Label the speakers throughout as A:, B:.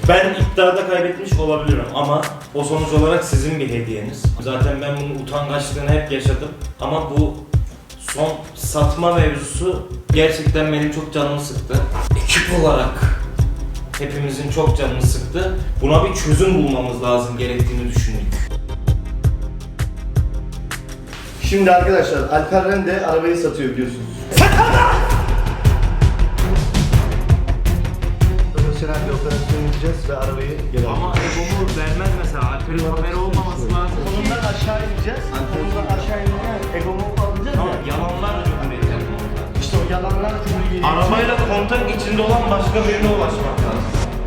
A: Ben iddiada kaybetmiş olabilirim ama o sonuç olarak sizin bir hediyeniz. Zaten ben bunun utangaçlığını hep yaşadım ama bu son satma mevzusu gerçekten benim çok canımı sıktı. Ekip olarak hepimizin çok canını sıktı. Buna bir çözüm bulmamız lazım gerektiğini düşündük.
B: Şimdi arkadaşlar Alper Rende arabayı satıyor biliyorsunuz. Profesyonel bir operasyon yapacağız ve arabayı geri alacağız.
A: Ama Ego'mu vermez mesela. Alper'in haberi olmaması lazım.
B: Kolundan aşağı ineceğiz. Kolundan aşağı ineceğiz. Egomu alacağız
A: Tamam,
B: ya.
A: yalanlar cümleyecek.
B: İşte o yalanlar cümleyi.
A: Arabayla kontak içinde olan başka birine ulaşmak lazım.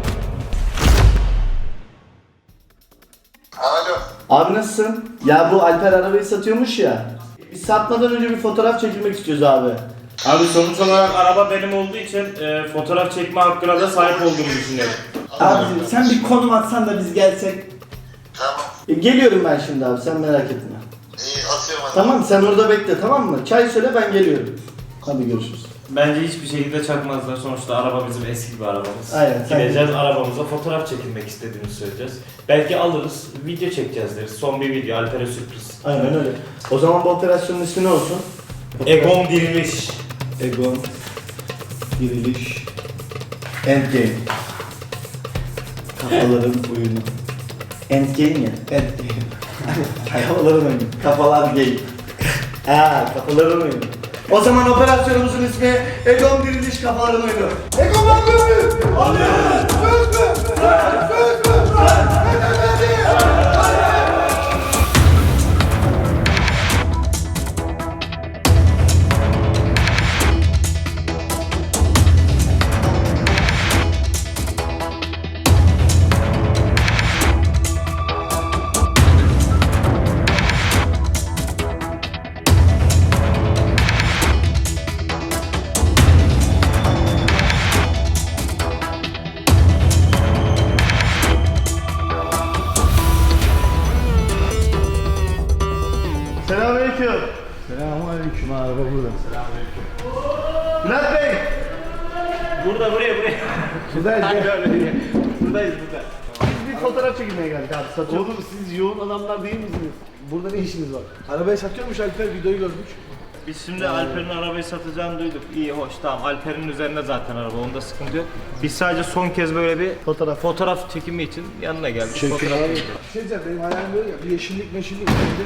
C: Alo.
B: Abi nasılsın? Ya bu Alper arabayı satıyormuş ya. Biz satmadan önce bir fotoğraf çekilmek istiyoruz abi.
A: Abi sonuç olarak araba benim olduğu için fotoğraf çekme hakkına da sahip olduğumu düşünüyorum.
B: Abi sen bir konum atsan da biz gelsek.
C: Tamam.
B: Geliyorum ben şimdi abi, sen merak etme.
C: İyi atıyorum hadi.
B: Tamam, sen orada bekle, tamam mı? Çay söyle, ben geliyorum. Hadi görüşürüz.
A: Bence hiçbir şekilde çakmazlar. Sonuçta araba bizim eski bir arabamız.
B: Aynen, sen
A: Gideceğiz arabamıza fotoğraf çekilmek istediğimizi söyleyeceğiz. Belki alırız, video çekeceğiz deriz. Son bir video, Alper'e sürpriz.
B: Aynen öyle. O zaman bu operasyonun ismi ne olsun?
A: Egon diriliş.
B: Egon Diriliş Endgame. Kafaların oyunu. Endgame ya. Endgame. Kafaların oyunu. Kafalar gay. Kafaların oyunu. O zaman operasyonumuzun ismi Egon Diriliş Kafaların oyunu. Egon lan gördü! Alın! Göz mü? Göz mü? Selamünaleyküm. Selamünaleyküm abi, burada. Selamünaleyküm. Bülent Bey.
A: Buraya.
B: Buradayız.
A: Buradayız burada.
B: Biz bir fotoğraf çekilmeye geldik abi, satıyoruz.
D: Oğlum siz yoğun adamlar değil misiniz? Burada ne işiniz var? Arabayı satıyormuş Alper, videoyu gördük.
A: Biz şimdi Alper'in arabayı satacağını duyduk. İyi, hoş, tamam. Alper'in üzerinde zaten araba, onda sıkıntı yok. Biz sadece son kez böyle bir fotoğraf çekimi için yanına geldik. Fotoğraf
D: Bir
A: çekeceğiz.
D: şey diyeceğim, benim hayalim böyle ya, bir yeşillik meşillik.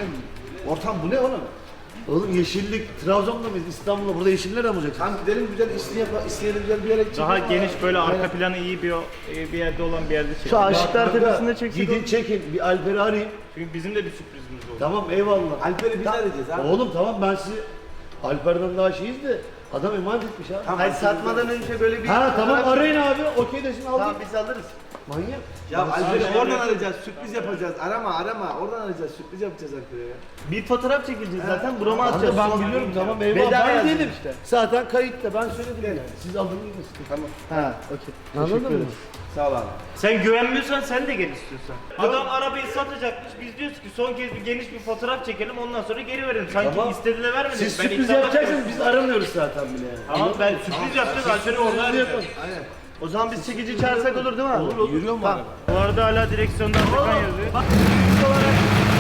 D: Ortam bu ne oğlum?
B: Oğlum yeşillik, Trabzon'da mıyız? İstanbul'da, burada yeşiller mi olacak?
D: Tamam gidelim güzel, isteyelim güzel bir yere gideceğiz.
A: Daha
D: ama-
A: geniş böyle arka
D: Aynen.
A: planı iyi bir yerde olan bir yerde çekelim.
B: Şu Aşıklar
D: Kanka,
B: Tepesi'nde çeksek.
D: Gidin çekin, bir Alper'i arayayım.
A: Çünkü bizim de bir sürprizimiz oldu.
B: Tamam, eyvallah.
D: Alper'i biz arayacağız abi.
B: Oğlum tamam, ben sizi Alper'den daha şeyiz de adam emanet etmiş ha.
D: Tamam,
B: Hayır, satmadan önce böyle bir...
D: Ha tamam,
B: fotoğraf-
D: arayın abi, okey desin aldık.
B: Tamam, biz alırız. Manyak.
D: Ya Alper'i oradan arayacağız, sürpriz yapacağız. Arama, oradan arayacağız, sürpriz yapacağız Alper'e ya.
B: Bir fotoğraf çekileceğiz zaten, burama atacağız.
D: Ben
B: Sonra-
D: biliyorum, tamam eyvallah.
B: Veda
D: Ben
B: yazdım
D: dedim
B: işte.
D: Zaten kayıtta, ben söyledim yani. Siz aldınız mı? Tamam.
B: Ha, okey.
D: Anladın
B: Teşekkür
D: mı?
B: ederiz.
D: Sağ ol abi.
A: Sen güvenmiyorsan sen de gel istiyorsan. Adam arabayı satacakmış. Biz diyoruz ki son kez bir geniş bir fotoğraf çekelim, ondan sonra geri verelim. Sanki
B: Tamam.
A: istediğine vermedik.
B: Siz
A: Ben
B: sürpriz
A: iddiada
B: yapacaksınız,
A: kaybettim.
B: biz aramıyoruz zaten bile yani.
A: Tamam, ben sürpriz yapacağız. Alper'i orada arayacağız.
D: Aynen.
B: O zaman biz çekici çağırsak olur değil mi abi?
D: Olur. Yürüyor mu araba?
A: Bu arada hala direksiyonda Atakan yazıyor.
B: Bak, olarak...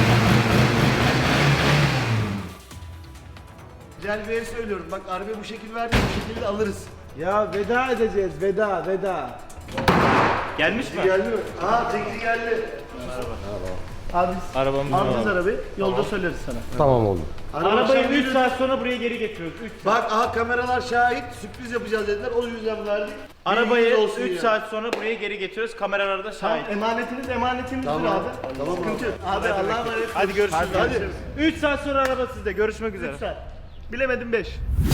B: Güzel bir yere söylüyorum. Bak arabayı bu şekil verdik, bu şekilde alırız.
D: Ya veda edeceğiz, veda.
A: Gelmiş mi?
B: Geldi mi? Aha, çekici geldi. Abi biz
A: Arabamız
B: alacağız arabayı, yolda söyleriz sana.
E: Tamam oldu.
A: Arabayı
B: akşam
A: 3 saat sonra buraya geri getiriyoruz. 3 saat.
B: Bak aha, kameralar şahit, sürpriz yapacağız dediler, o yüzden verdik.
A: Arabayı
B: Bilginiz olsun
A: 3
B: yani.
A: saat sonra buraya geri getiriyoruz. Kameralar da
B: Tamam,
A: şahit.
B: emanetinizdir
A: Tamam.
B: abi. Tamam, sıkıntı yok. Abi Allah'a emanet.
A: Hadi görüşürüz.
B: Hadi.
A: 3 saat sonra araba sizde. Görüşmek üzere.
B: 3 saat. Bilemedim 5.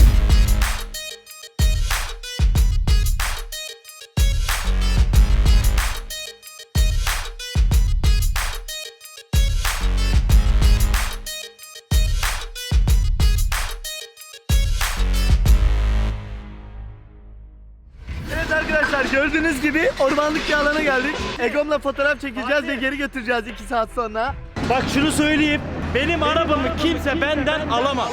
B: Evet arkadaşlar, gördüğünüz gibi ormanlık bir alana geldik. Egom'la fotoğraf çekeceğiz ve geri götüreceğiz 2 saat sonra.
A: Bak şunu söyleyeyim. Benim arabamı kimse benden alamaz.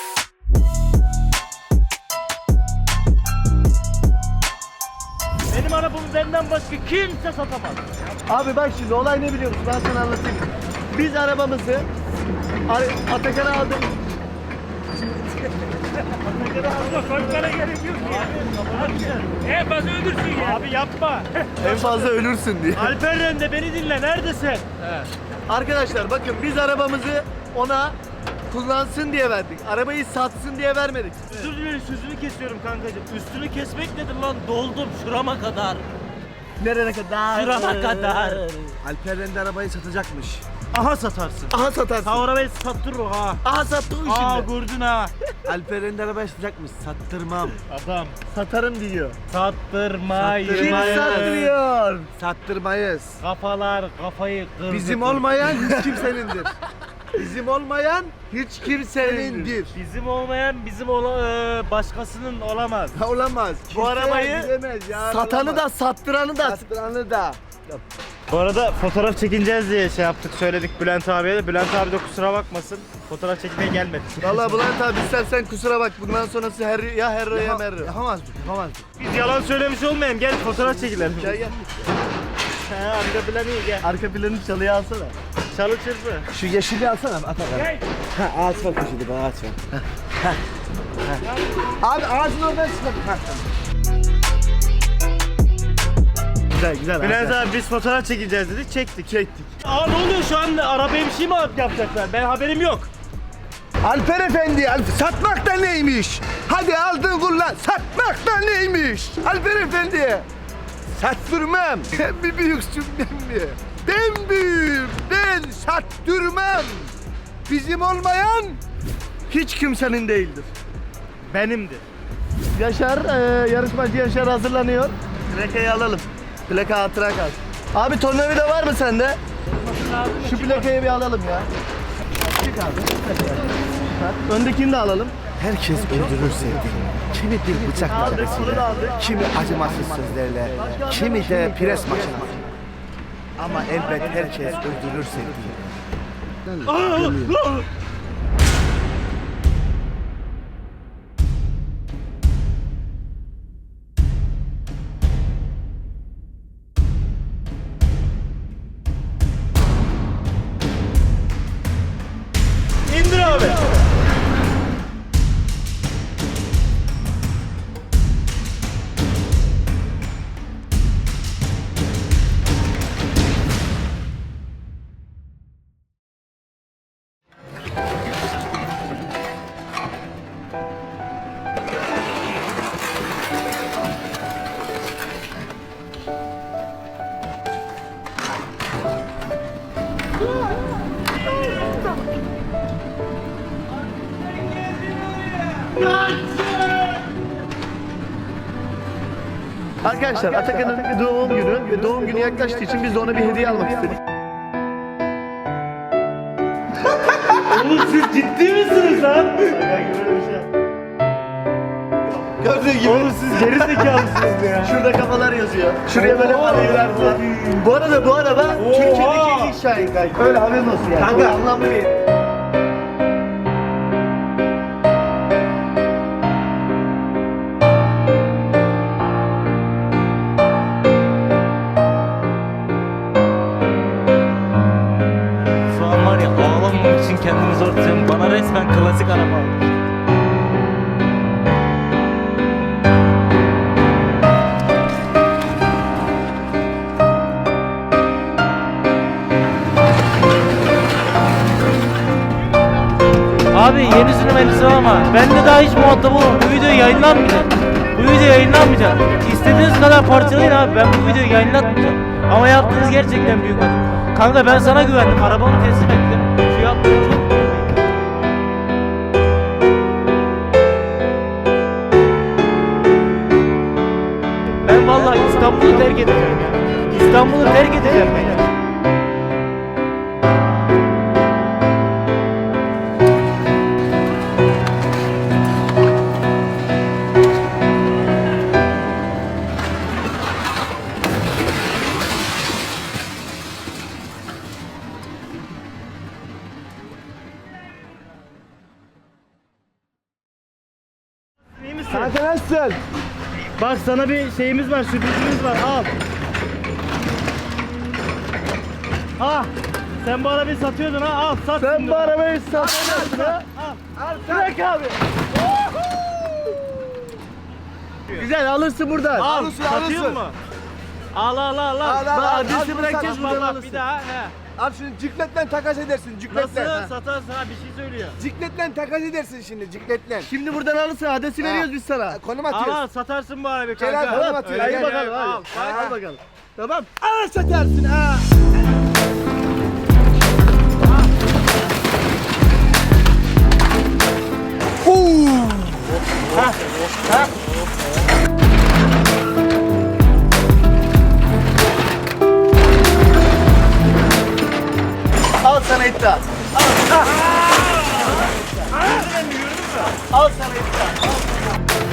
A: Benim
E: arabamı benden başka kimse satamaz.
D: Abi bak şimdi olay ne biliyor musun? Ben sana anlatayım. Biz arabamızı Atakan'a aldık.
E: Abla korkmana gerek yok ki. En fazla ölürsün ya. Abi yapma.
D: En fazla ölürsün diye.
E: Alperen de beni dinle, neredesin?
D: Arkadaşlar bakın biz arabamızı ona kullansın diye verdik. Arabayı satsın diye vermedik.
E: Özür dilerim, sözünü kesiyorum kankacığım. Üstünü kesmek nedir lan? Doldum şurama kadar.
D: Nereye kadar?
E: Şurama kadar.
D: Alperen de arabayı satacakmış.
E: Aha satarsın.
D: Aha satarsın.
E: Sen arabayı sattırır ha.
D: Aha sattı o
E: Aa
D: şimdi.
E: gördün ha.
D: Alperen de arabayı satacakmış. Sattırmam.
E: Adam.
D: Satarım diyor.
E: Sattırmayız.
D: Kim sattırıyor? Sattırmayız.
E: Kafalar kafayı kırdı.
D: Bizim olmayan hiç kimsenindir. Bizim olmayan hiç kimsenindir.
E: Bizim olmayan başkasının olamaz.
D: Olamaz.
E: Bu arabayı
D: satanı da sattıranı da sattıranı da.
E: Bu arada fotoğraf çekineceğiz diye şey yaptık, söyledik Bülent abiye de. Bülent abi de kusura bakmasın. Fotoğraf çekmeye gelmedik.
D: Vallahi Bülent abi istersen kusura bak. Bundan sonrası ya herro ya merro. Yapamazdık.
E: Biz yalan söylemiş olmayalım. Gel fotoğraf çekilelim.
D: Gel gel.
E: He, arka planı iyi, gel.
D: Arka planı çalıya alsana.
E: Çalı çırpı.
D: Şu yeşili alsana Atakan.
E: Gel.
D: Ha ağaç var köşede, bana ağaç var. Abi ağacın oradan çıkalım. Güzel.
E: Bülent abi biz fotoğraf çekeceğiz dedik, çektik. Aa ne oluyor şu an? Arabaya bir şey mi yapacaklar? Ben haberim yok.
D: Alper Efendi, satmak da neymiş? Hadi aldın kullan, satmak da neymiş? Alper Efendi, sattırmam. Sen bir büyüksün ben mi? Ben büyüğüm, ben sattırmam. Bizim olmayan hiç kimsenin değildir.
E: Benimdir.
D: Yaşar, yarışmacı Yaşar hazırlanıyor. Plakayı alalım. Plaka hatıra kalsın. Abi tornavida var mı sende? Şu plakayı bir alalım ya. Çık abi. Öndekini de alalım. Herkes öldürür sevdiğini. Kimi bir bıçakla, kimi acımasız sözlerle, kimi de pres makinası. Ama elbet herkes öldürür sevdiğini.
E: İndir abi.
D: Arkadaşlar Atakan'ın doğum günü ve doğum günü yaklaştığı için biz de ona bir hediye almak istedik.
E: Oğlum siz ciddi misiniz lan?
D: Gördüğün gibi.
E: Oğlum siz geri zekalısınız ya.
D: Şurada kafalar yazıyor. Şuraya böyle parayı verdiler. Bu araba Türkiye'deki ilk Şahin kanka. Öyle haberin olsun yani. Kanka anlamlı bir.
E: Şu an var ya, ağlamamak için kendimi zor tutuyorum. Bana resmen klasik araba almış. Abi yeni sürüm elbise ama ben de daha hiç muhatap olmam. Bu video yayınlanmayacak. Bu video yayınlanmayacak. İstediğiniz kadar parçalayın abi. Ben bu videoyu yayınlatmayacağım. Ama yaptığınız gerçekten büyük adım. Kanka ben sana güvendim. Arabamı teslim ettim. Şu yaptığın çok büyük. Ben vallahi İstanbul'u terk edeceğim ya. İstanbul'u terk edeceğim ben ya. İyi misin?
D: Kanka nasılsın?
E: Bak sana bir şeyimiz var, sürprizimiz var. Al. Ah. Sen bu arabayı satıyordun ha. Al sat.
D: Sen
E: şimdi.
D: bu arabayı satıyorsun ha. Bırak abi. Güzel alırsın buradan.
E: Al.
D: Alırsın,
E: Satıyor
D: alırsın.
E: mu? Al al al al.
D: Al,
E: Adresi
D: al,
E: bırakacağız
D: al,
E: buradan
D: alırsın.
E: bir daha. He.
F: Abi şimdi cikletle takas edersin cikletle.
E: Nasıl satarsın ha, bir şey söylüyor.
F: Cikletle takas edersin şimdi cikletle.
D: Şimdi buradan alırsın, adresi veriyoruz biz sana.
F: Konum
E: Al
F: atıyoruz.
E: al satarsın bu arabayı
F: Gel
E: kanka.
F: abi, konum atıyoruz.
D: Hadi
F: Gel,
D: bakalım
E: gel,
D: hadi.
E: al.
D: Al bakalım. Tamam.
F: Aa satarsın ha.
D: Al sana iddia. Al sana iddia.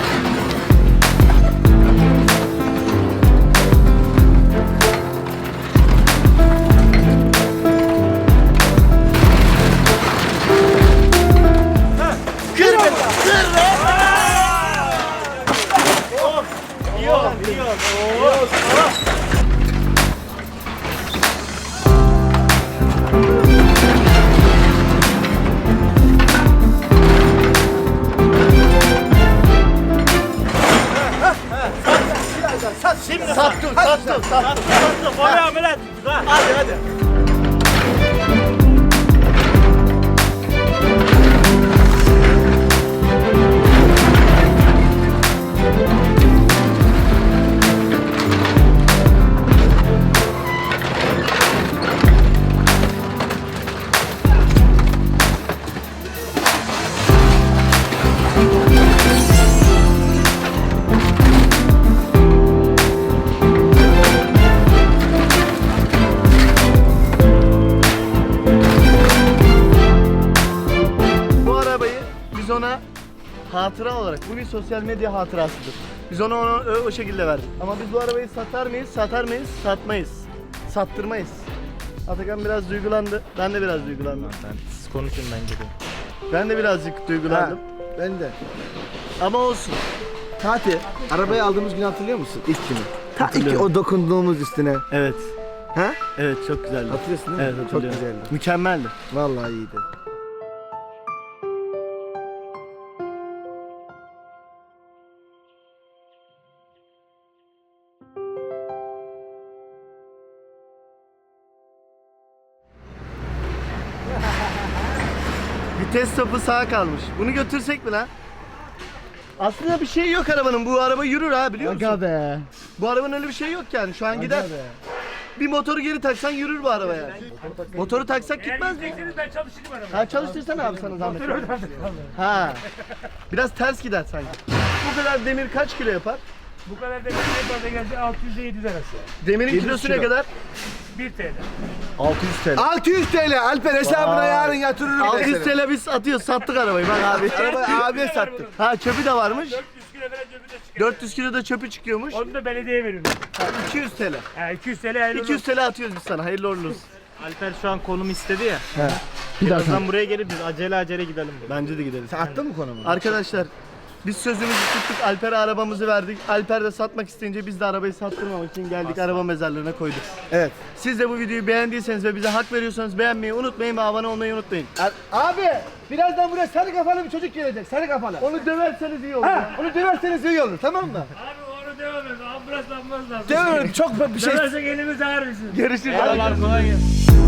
E: Şimdi
D: Sattım.
E: Sattım. Oraya ameliyat.
D: Hadi hadi. Bu arabayı biz ona hatıra olarak, bu bir sosyal medya hatırasıdır. Biz ona o şekilde verdik. Ama biz bu arabayı satar mıyız? Satar mıyız? Satmayız. Sattırmayız. Atakan biraz duygulandı. Ben de biraz duygulandım.
E: Siz konuşun ben gidiyorum.
D: Ben de birazcık duygulandım.
F: Ben de.
D: Ama olsun.
F: Fatih, arabayı aldığımız günü hatırlıyor musun? İlk günü. Ta ilk
D: Hatırlıyorum.
F: o dokunduğumuz üstüne.
D: Evet.
F: Ha?
D: Evet çok güzeldi.
F: Hatırlıyorsun değil mi?
D: Evet
F: Çok
D: hatırlıyorum.
F: güzeldi.
D: Mükemmeldi.
F: Vallahi iyiydi.
D: Vites topu sağa kalmış. Bunu götürsek mi lan? Aslında bir şey yok arabanın. Bu araba yürür ha, biliyor musun?
F: Aga be.
D: Bu arabanın öyle bir şey yok yani. Şu an gider. Bir motoru geri taksan yürür bu araba yani. Motoru taksak gitmez mi?
E: Ben çalışırım arabayı.
D: Ha çalıştırsana abi sana zahmet. Ha. Biraz ters gider sanki. Bu kadar demir kaç kilo yapar?
G: Bu kadar da ne fazla gelse 600 ile 700 arası.
D: Demirin
F: 700
D: kilosu ne
F: kilo.
D: kadar?
G: 1 TL.
D: 600 TL.
F: 600 TL Alper hesabına
D: Vay.
F: yarın yatırırım.
D: 600 TL biz atıyoruz, sattık arabayı bak abi.
F: Arabayı abiye sattık.
D: Ha çöpü de varmış.
G: 400 kilo veren cebinde çıkıyor.
D: 400 kilo da çöpü çıkıyormuş.
G: Onu da belediyeye veriyorum.
D: Ha, 200 TL.
G: Ha 200 TL hayırlı
D: 200 TL atıyoruz biz sana. Hayırlı uğurlu olsun.
E: Alper şu an konum istedi ya.
F: Bir
E: Birazdan buraya gelip biz acele gidelim.
D: Bence de gideriz.
F: Sen attın mı konumu?
D: Arkadaşlar biz sözümüzü tuttuk. Alper'e arabamızı verdik. Alper de satmak isteyince biz de arabayı sattırmamak için geldik, araba mezarlığına koyduk.
F: Evet.
D: Siz de bu videoyu beğendiyseniz ve bize hak veriyorsanız beğenmeyi unutmayın ve abone olmayı unutmayın.
F: Abi birazdan buraya sarı kafalı bir çocuk gelecek. Sarı kafalı.
D: Onu döverseniz iyi olur.
F: Ha, onu döverseniz iyi olur, tamam mı?
G: Abi onu devam et. Ambulans lazım.
F: Döverim çok bir şey.
G: Döversek elimiz ağrır bizim.
D: Görüşürüz.
E: Kolay gelsin.